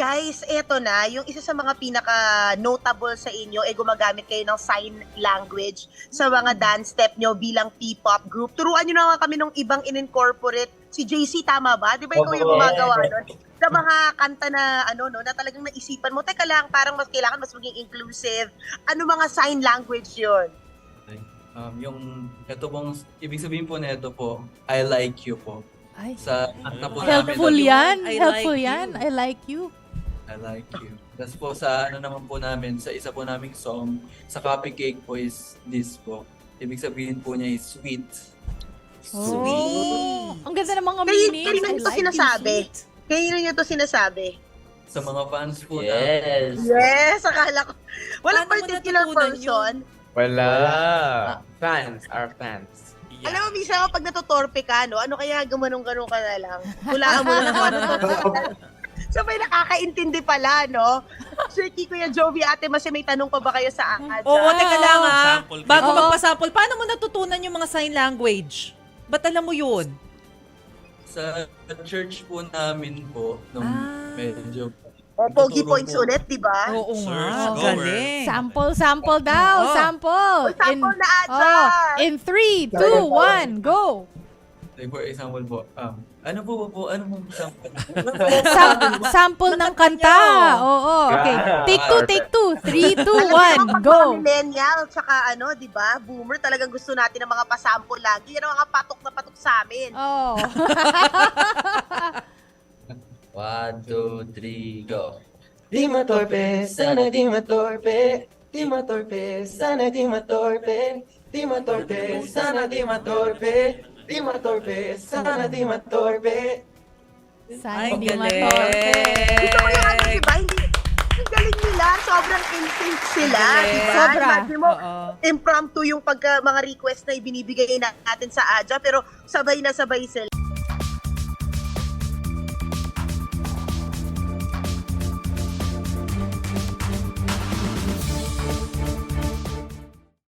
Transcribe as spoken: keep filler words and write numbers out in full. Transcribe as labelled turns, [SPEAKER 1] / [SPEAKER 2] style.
[SPEAKER 1] Guys, eto na, yung isa sa mga pinaka-notable sa inyo, eh gumagamit kayo ng sign language sa mga dance step nyo bilang P-pop group. Turuan nyo na nga kami ng ibang in-incorporate. Si J C, tama ba? Di ba ikaw yung gumagawa nun? Sa mga kanta na, ano, no, na talagang naisipan mo, teka lang, parang mas kailangan mas maging inclusive. Ano mga sign language yun?
[SPEAKER 2] Um, yung, ito pong, ibig sabihin po na ito po, I like you po.
[SPEAKER 3] Ay,
[SPEAKER 2] Sa kanta po
[SPEAKER 3] helpful
[SPEAKER 2] namin,
[SPEAKER 3] yan.
[SPEAKER 4] I
[SPEAKER 3] Helpful
[SPEAKER 4] like
[SPEAKER 3] yan.
[SPEAKER 4] you.
[SPEAKER 3] I like you.
[SPEAKER 2] I like you. Tapos po sa ano naman po namin, sa isa po naming song, sa Copy Cake po is this po. Ibig sabihin po niya is sweet.
[SPEAKER 3] Oh, ang ganda ng mga
[SPEAKER 1] Kayo,
[SPEAKER 3] meanings.
[SPEAKER 1] kayo
[SPEAKER 3] I
[SPEAKER 1] nyo to
[SPEAKER 3] like
[SPEAKER 1] sinasabi.
[SPEAKER 3] you, sweet.
[SPEAKER 1] Kayo nyo to sinasabi.
[SPEAKER 2] Sa mga fans po na,
[SPEAKER 5] Yes.
[SPEAKER 1] Yes, akala ko. Walang
[SPEAKER 4] Paano mo
[SPEAKER 1] particular
[SPEAKER 4] natutunan
[SPEAKER 1] person.
[SPEAKER 6] Wala.
[SPEAKER 5] Wala.
[SPEAKER 6] Fans are fans.
[SPEAKER 4] Yeah.
[SPEAKER 1] Alam mo, minsan kapag natutorpe ka, no, ano kaya gumanong-ganong ka na lang? Hulaan mo na lang kung ano to. So may nakakaintindi pala, no? Sir Kiko, Kuya Jovi, Ate Masi, may tanong pa ba kayo sa Adja?
[SPEAKER 4] Oo, teka lang ha.
[SPEAKER 7] Sample ka.
[SPEAKER 4] Bago
[SPEAKER 3] Oo.
[SPEAKER 4] magpa-sample, paano mo natutunan yung mga sign language? Ba't alam mo yun?
[SPEAKER 2] sa church po namin po, nung
[SPEAKER 4] Ah.
[SPEAKER 2] medyo,
[SPEAKER 1] O, Pogi
[SPEAKER 2] tuturo
[SPEAKER 1] Points
[SPEAKER 2] po.
[SPEAKER 1] ulit, di ba?
[SPEAKER 4] Oo
[SPEAKER 7] Search,
[SPEAKER 4] nga,
[SPEAKER 7] goer.
[SPEAKER 4] galing.
[SPEAKER 3] Sample, sample daw.
[SPEAKER 4] Oo.
[SPEAKER 3] Sample.
[SPEAKER 1] Sample na, Adja!
[SPEAKER 3] Oh, in three, two, one, go.
[SPEAKER 2] like for example po, um, ano po po, po ano po example?
[SPEAKER 3] Sam- sample ng kanta. Oo, okay. Take two, take two. Three, two,
[SPEAKER 1] Alam mo
[SPEAKER 3] one,
[SPEAKER 1] naman, pag
[SPEAKER 3] go.
[SPEAKER 1] mga millennial, tsaka ano, di ba, boomer, talagang gusto natin ng mga pasample lagi. Yan ang mga patok na patok sa amin.
[SPEAKER 3] Oh.
[SPEAKER 5] One, two, three, go. Di matorpe, sana di matorpe. Di matorpe, sana di matorpe. Di matorpe, sana di matorpe. Di matorpe, sana di matorpe.
[SPEAKER 3] Sana
[SPEAKER 4] Ay,
[SPEAKER 3] di
[SPEAKER 4] galing.
[SPEAKER 3] matorpe.
[SPEAKER 1] Ito ko yung ano, di ba? Hindi, ang galing nila. Sobrang instinct sila,
[SPEAKER 4] Galing.
[SPEAKER 1] di ba?
[SPEAKER 3] Sobra.
[SPEAKER 1] Imagine mo,
[SPEAKER 4] Oo.
[SPEAKER 1] impromptu yung pagka, mga request na ibinibigay natin sa Adja, pero sabay na sabay sila.